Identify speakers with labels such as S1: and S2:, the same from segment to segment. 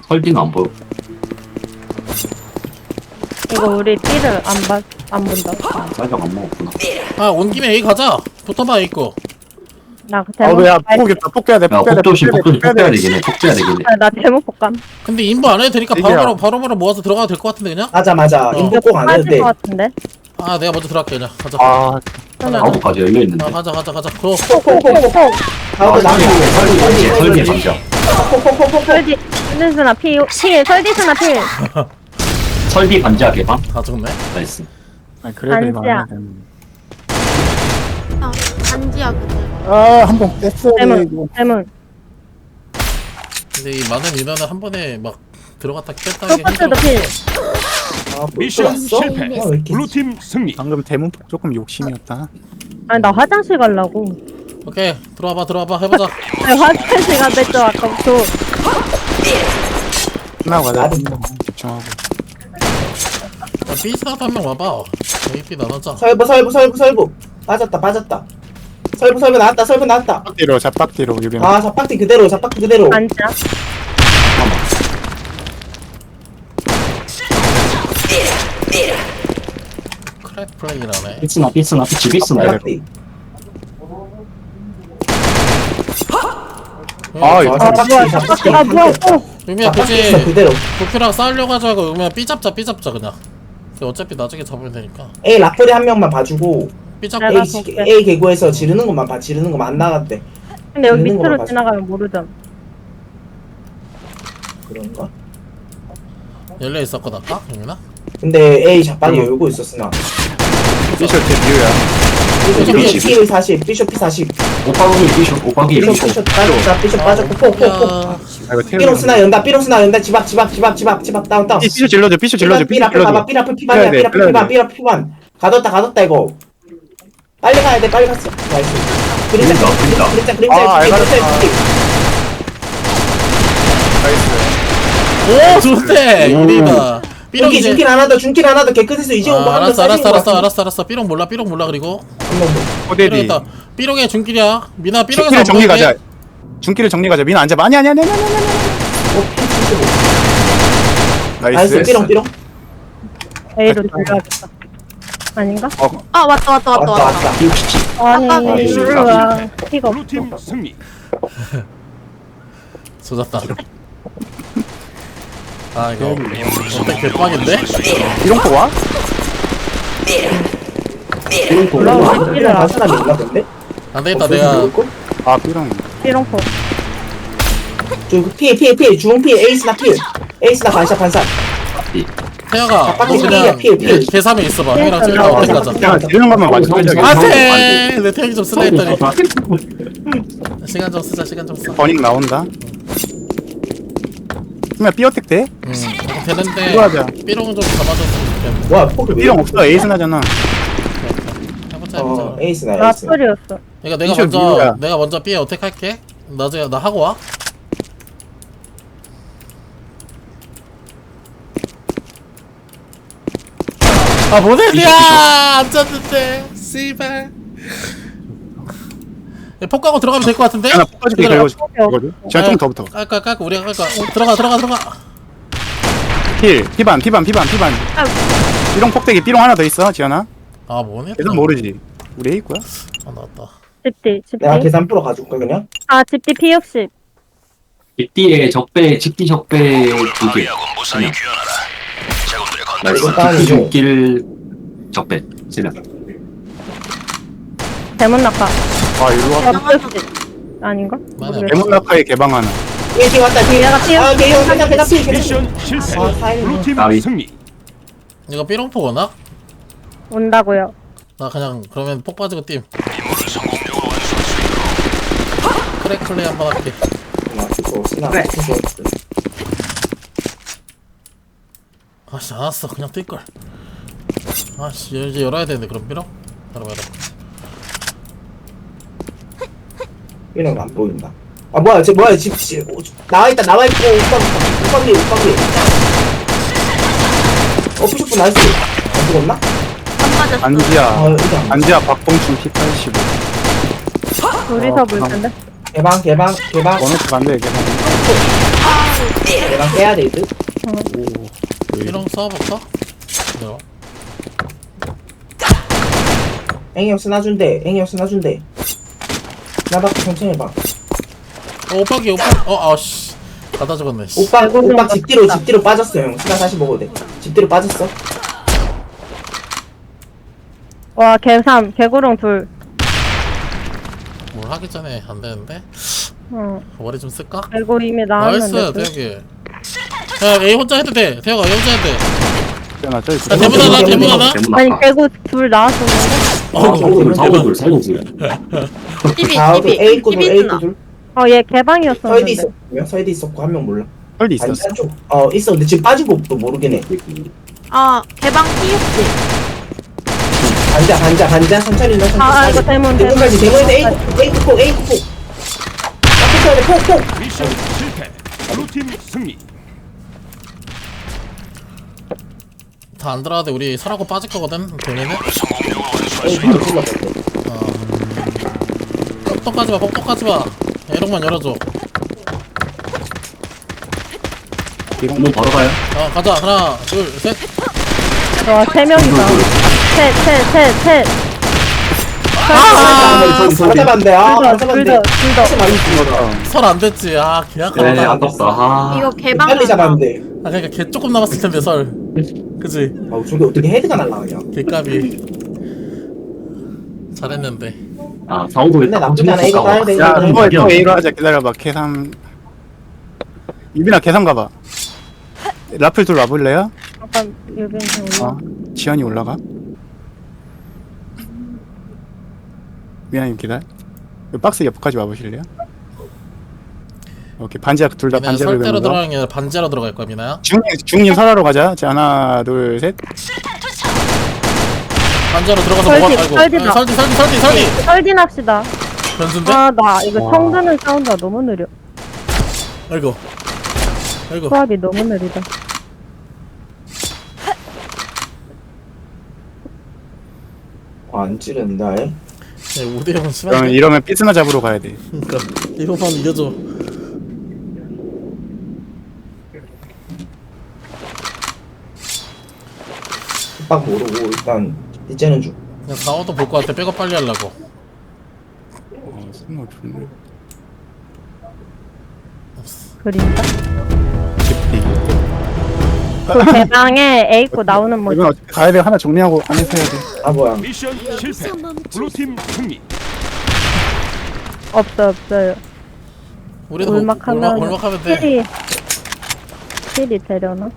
S1: 헐딩 안 보여.
S2: 이거 우리 B를 안 본다.
S1: 쌀적 안 먹었구나.
S3: 아, 온 김에 A 가자. 붙어봐, A 거.
S2: 나
S4: 아, 야, 폭겠다. 폭해야 돼.
S1: 야,
S4: 폭해야 돼.
S1: 폭조심, 폭조심,
S4: 폭해야
S1: 폭줘야
S4: 돼.
S1: 되긴 해. 폭줘야 되긴 해.
S2: 나 제목 볼감.
S3: 근데 인부 안 해도 되니까
S4: 얘기야.
S3: 바로바로 모아서 들어가도 될 것 같은데, 그냥?
S5: 맞아. 인포 꼭 안 해도
S2: 빠질
S5: 돼.
S2: 것 같은데.
S3: 아, 내가 먼저 들어갈게, 그냥. 가자.
S4: 아,
S1: 아홉까지 열려있는데.
S3: 아, 가자. 그거.
S2: 폭폭폭폭.
S5: 다음에 나무.
S1: 설계 감자.
S2: 설디 설디스나 필 설디스나 필.
S1: 설비 반지하 개방?
S3: 다 죽네.
S1: 나이스.
S4: 아니, 그래도 이거
S2: 반지야.
S4: 안 해야 되는데.
S6: 반지야 그대.
S4: 아, 한 번 뺐어야 돼,
S2: 대문
S4: 이거.
S2: 대문.
S3: 근데 이 많은 인원을 한 번에 막 들어갔다 뺐다 하기
S2: 소프트도
S3: 힘들어.
S2: 필.
S7: 미션 실패. 블루팀 승리.
S4: 방금 대문 폭 조금 욕심이었다.
S2: 아니 나 화장실 가려고.
S3: 오케이, 들어와봐. 해보자.
S2: 아니, 화장실 가랬죠 아까부터.
S4: 끝나고 가자.
S5: 나도.
S4: 집중하고.
S3: 야, B 사도 한 명 와봐. A, B 나눠자.
S5: 설부. 빠졌다. 설부 나왔다.
S4: 빡뒤로, 잡빡뒤로, 유빈.
S5: 아, 잡박티 그대로.
S2: 앉아.
S3: 크랙 플레이라네.
S1: 삐스나, 피치, 삐스나.
S5: 잡박티.
S4: 아, 이거
S5: 잡박티.
S2: 아 뭐야?
S3: 의미야,
S5: 잡박티
S3: 굳이
S5: 있어, 그대로.
S3: 도쿄랑 싸우려고 하지 말고 의미야 B 잡자 그냥. 어차피 나중에 잡으면 되니까.
S5: A 라플이 한 명만 봐주고
S3: B 잡고
S2: 내가
S5: A,
S2: 볼게.
S5: A 개구에서 지르는 것만 봐. 지르는 것만 안 나갔대.
S2: 근데 여기
S5: 있는
S2: 밑으로
S5: 걸로
S2: 지나가면 모르잖아.
S5: 그런가?
S3: 열려 있었거든 아까 의미나.
S5: 근데 A 잡박이 열고 있었으나.
S4: 피셔 제 뮤야.
S5: P 40, Bishop P 40.
S1: 오빠기 삐쇼.
S5: Bishop 빠졌고 폭.
S3: 야,
S4: 아, 이거 태우.
S5: 삐롱스나 연다. 지박 다운.
S4: 피셔 질러줘. 피셔 질러줘.
S5: 삐
S4: 피셔
S5: 라플 봐봐.
S4: 질러줘.
S5: 삐 라플 피반이야.
S4: 빼야 돼,
S5: 삐 라플 피반. 가뒀다 이거. 빨리 가야 돼. 빨리 갔어. 나이스. 그림자.
S4: 아, 알가르타. 나이스.
S3: 오 좋대. 이리다. 삐롱 이제.
S5: 중길 하나 더 개끝에서 이제 오고 하면
S3: 알았어. 삐롱 몰라 그리고.
S4: 호대디.
S3: 삐롱이다. 삐롱의 중길이야. 미나 삐롱에서
S4: 중길을
S3: 안
S4: 정리
S3: 보이게.
S4: 가자. 중길을 정리 가자. 민아 앉아. 아니야.
S5: 나이스.
S4: 나이스.
S5: 삐롱.
S2: A로 들어가겠다. 아닌가?
S6: 아 왔다.
S5: 왔다.
S2: 아니
S6: 아까
S2: 이리와. 피가 없어.
S7: 블루팀 승리.
S3: 조졌다. 아 이거 어떻게 개빡인데?
S4: 이런 거 와?
S5: 삐롱. 삐롱 간 사람이 있나 본데?
S3: 안 되겠다 내가.
S4: 아, 삐롱.
S2: 삐롱포.
S5: 피해. 주홍 피해. 에이스나 반샷.
S3: 태아가 너
S5: 빡빡이
S3: 그냥
S5: 피해.
S3: 계산에 있어봐. 형이랑 찍을까 어떻게 가자.
S4: 그냥 지르는 것만 맞아.
S3: 안돼. 내 태양이 좀 쓰라 했더니. 시간 좀 쓰자.
S4: 버닝 나온다. 그러면 삐어택 돼?
S3: 되는데
S4: 이거 하자.
S3: 삐롱 좀 잡아줬으면 좋겠네.
S5: 와, 폭을 왜?
S4: 삐롱 없어. 에이스 나잖아.
S3: 해보자.
S5: 에이스나.
S2: 라플이었어.
S3: 그러니까 내가
S4: 미션 미우야.
S3: 먼저 B에 어택 할게. 나중에 나 하고 와. 아 모네드야 안 짰는데 씨발. 폭가고 들어가면 될 것 같은데?
S4: 하나 poka줄게.
S3: 기다려.
S4: 이거지. 제가 좀 더 붙어.
S3: 깔까 우리가 깔까. 들어가.
S4: 피반. 삐롱 폭대기. 삐롱 하나 더 있어. 지현아.
S3: 아 뭐네?
S4: 계속 모르지. 우리 A구야?
S3: 아 나왔다.
S2: 집디.
S5: 내가 계산 프로 가줄까 그냥?
S2: 아 집디 P60.
S1: 집디의 적배 두 개. 나이스.
S5: 일단은
S1: 집디 죽길 적배. 지나.
S2: 대문 낙하.
S4: 아, 이리로 와.
S2: P60. 아닌가?
S3: 맞아.
S2: 모르겠어.
S4: 대문낙하의 개방 하나.
S5: 얘 왔다.
S2: 얘가 P60.
S5: 아, 개형 계산 피.
S7: 미션 실패.
S5: 아, 사이렌.
S7: 블루팀
S1: 나위.
S7: 승리.
S3: 이거 삐롱포 오나?
S2: 온다고요.
S3: 나 그냥 그러면 폭 빠지고 띠임. 크랙 플레이 한번 할게.
S5: 그래.
S3: 아씨 알았어 그냥 뛸걸. 아씨 이제 열어야 되는데 그럼 삐롱? 열어.
S5: 이런 거안 보인다. 아 뭐야 집 나와 있고 옷방기. 푸시프 나이스. 안 죽었나?
S6: 안 맞았어.
S4: 안지야.
S5: 이게 안
S4: 안지야 박봉춘 P85.
S2: 둘이서 볼 텐데.
S5: 개방.
S4: 원호트 반대 개방.
S5: 내가 깨야 돼 이들.
S3: 이런 거 써볼까? 네.
S5: 앵이 형 쓰나준대. 앵이 형 쓰나준대. 나밖에 천천히 해봐.
S3: 오빠기 오빠 아씨 갖다 죽었네 씨.
S5: 오빠 집 뒤로 빠졌어 형. 쓰나 다시 먹어도 돼. 집 뒤로 빠졌어.
S2: 와, 개삼, 개구렁 둘.
S3: 뭘 하기 전에 안 되는데
S2: 어,
S3: 머리 좀 쓸까?
S2: 개구 이미
S3: 나이스
S2: 나왔는데.
S3: 대혁이 야 A 혼자 해도 돼 대혁아 A 혼자 해도 돼
S4: 나 저기
S3: 야, 대문하다 대문하다
S2: 아니, 개구 둘 나왔었는데.
S1: 사고들 사고들.
S6: TV
S5: 좌우도
S6: TV
S5: A 있고 둘 A
S6: TV
S5: 있고
S6: 누나.
S5: 둘.
S2: 얘
S5: 서이드
S2: 개방이었었는데.
S5: 있었고요. 서이드 있었고 한 명 몰라.
S4: 헐도 있었어.
S5: 반찬 쪽. 있어. 근데 지금 빠지고 또 모르긴 해.
S6: 아 개방 P60.
S5: 반자 천천히 넣어.
S2: 이거 대문.
S5: 대문까지 대문에서 A 폭. 앞에 쳐야 돼. 폭.
S7: 미션 실패. 블루팀 승리.
S3: 다 안 들어가도 우리 설하고 빠질 거거든 걔네는
S5: A 바로 질렀어.
S3: 똑똑하지 마 똑똑하지 마 에롱만 열어줘
S1: 한번 바로 가요.
S3: 가자 하나 둘셋
S2: 와, 세 명이다. 셋.
S5: 잡았는데.
S2: 둘 더.
S3: 설 안 됐지 아 그냥
S1: 네,
S3: 가다
S1: 아깝다. 아,
S6: 이거 개방.
S5: 빨리 잡았는데.
S3: 아 그니까 걔 조금 남았을 텐데 설 그치
S5: 저게 어떻게 헤드가 날라가냐.
S3: 개값이 잘했는데
S1: 사고도
S5: 근데 나쁘지 않아. 이거 따야 돼.
S4: 야,
S5: 이거
S4: 이번에
S5: 따야
S4: 또
S5: 돼.
S4: A로 하자. 기다려봐. 계산. 유빈아 계산 가봐. 라플 둘 와볼래요?
S2: 잠깐, 여기 올라.
S4: 지연이 올라가. 미안해 기다려. 이 박스 옆까지 와보실래요? 오케이 반지하 둘 다
S3: 미나야
S4: 반지하를
S3: 설대로
S4: 배는 거.
S3: 들어가는 게 아니라 반지하로 들어갈 거야 미나야
S4: 중님 설하러 가자. 자 하나 둘 셋.
S3: 반지하로 들어가서
S2: 설디,
S3: 먹어 아이고
S2: 설디다.
S3: 설디
S2: 설딘 합시다.
S3: 변수인데?
S2: 나 이거 청 드는 사운드가 너무 느려.
S3: 아이고
S2: 수압이 너무 느리다.
S5: 안 찌른다. 에?
S3: 5대0은
S4: 그러면
S3: 심한데
S4: 이러면 삐스나 잡으러 가야 돼.
S3: 그니까 이거만 이겨줘
S5: 빡 모르고 일단 이제는 중.
S3: 그냥 4호도 볼 것 같아 백업 빨리 하려고
S4: 스노우 좋네.
S2: 그림자.
S4: 깊이.
S2: 대방에 A 있고 나오는 뭐.
S4: 이건 어차피 가야 돼. 하나 정리하고 안에서 해야 돼.
S5: 뭐야.
S7: 미션 실패. 블루팀 승리.
S2: 없어요.
S3: 우리도
S2: 올막하면
S3: 올막하면 돼
S2: 힐이 되려나?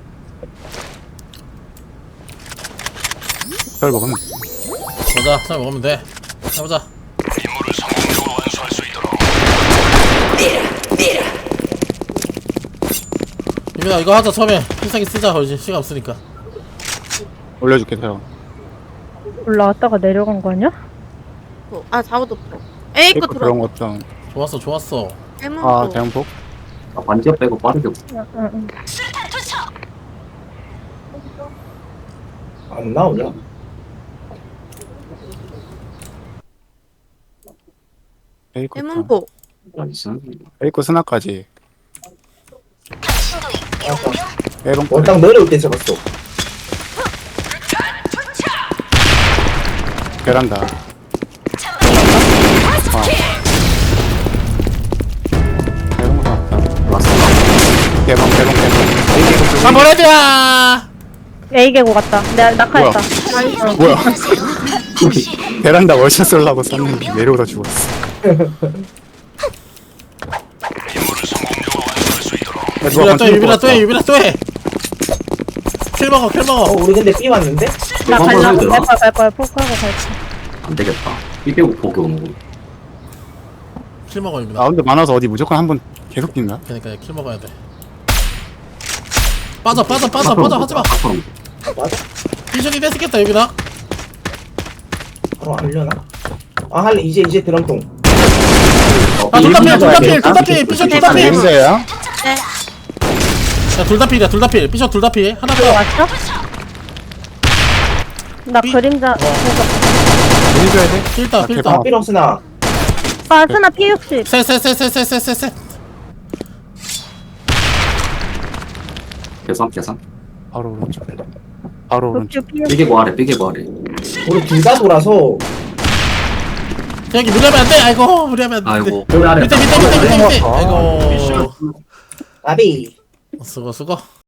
S4: 별 먹으면.
S3: 보자 잘 먹으면 돼 해보자 유민아 이거 하자 처음에 필살기 쓰자 이제 시간 없으니까
S4: 올려줄게 서.
S2: 올라왔다가 내려간 거 아니야?
S6: 아 좌우도 프로. A 거
S4: 그런
S6: 들어.
S4: 것도.
S3: 좋았어
S6: 대문
S4: 아
S6: 프로.
S4: 대형폭.
S1: 반지업 빼고 빠르게.
S2: 응.
S5: 안 나오냐?
S4: 에이코.
S6: 대문 포.
S1: 나이스.
S4: 에이코 스나까지. 에롱.
S5: 딱 내려올 때 잡았어.
S4: 베란다. 에롱 나왔다. 개방.
S3: 한번 해줘야
S2: A 개고 같다. 내가 낙하했다.
S4: 뭐야? 베란다 월샷 쏠라고 쐈는데 내려오다 죽었어.
S3: 유빈아 또해 킬 먹어
S5: 우리 근데 B 왔는데?
S2: 나
S1: 한번
S2: 가려고
S1: 해도 되나?
S2: 갈 거야. 포크하고 갈 거야.
S1: 안 되겠다. 이 빼고 보기 오는 거.
S3: 킬 먹어 유빈아
S4: 라운드 많아서 어디 무조건 한 번 계속 뛴다.
S3: 그러니까 킬 먹어야 돼 빠져 하지마
S5: 맞아?
S3: 비전이 뺏겠다 유빈아
S5: 바로 알려나? 할래 이제 드럼통.
S3: 둘다필 비전 둘다필
S4: 인자야?
S6: 네.
S3: 야 둘다필 비전 둘다필 하나 더
S2: 왔어? 나 그림자.
S4: 해줘야 돼?
S3: 필다
S4: 대박.
S5: 삐롱스나.
S2: 스나 P60.
S3: 셋
S1: 계산.
S4: 바로 오른쪽. 바로 오른쪽.
S2: 룩주 피해.
S1: 삐개고 아래, 삐개고 아래.
S5: 우리 둘 다 돌아서
S3: 태양이 무리하면 안 돼. 아이고 무리하면 안 돼.
S1: 아이고, 꼬리 아래.
S3: 밑에. 아이고.
S5: 나비
S3: 수고.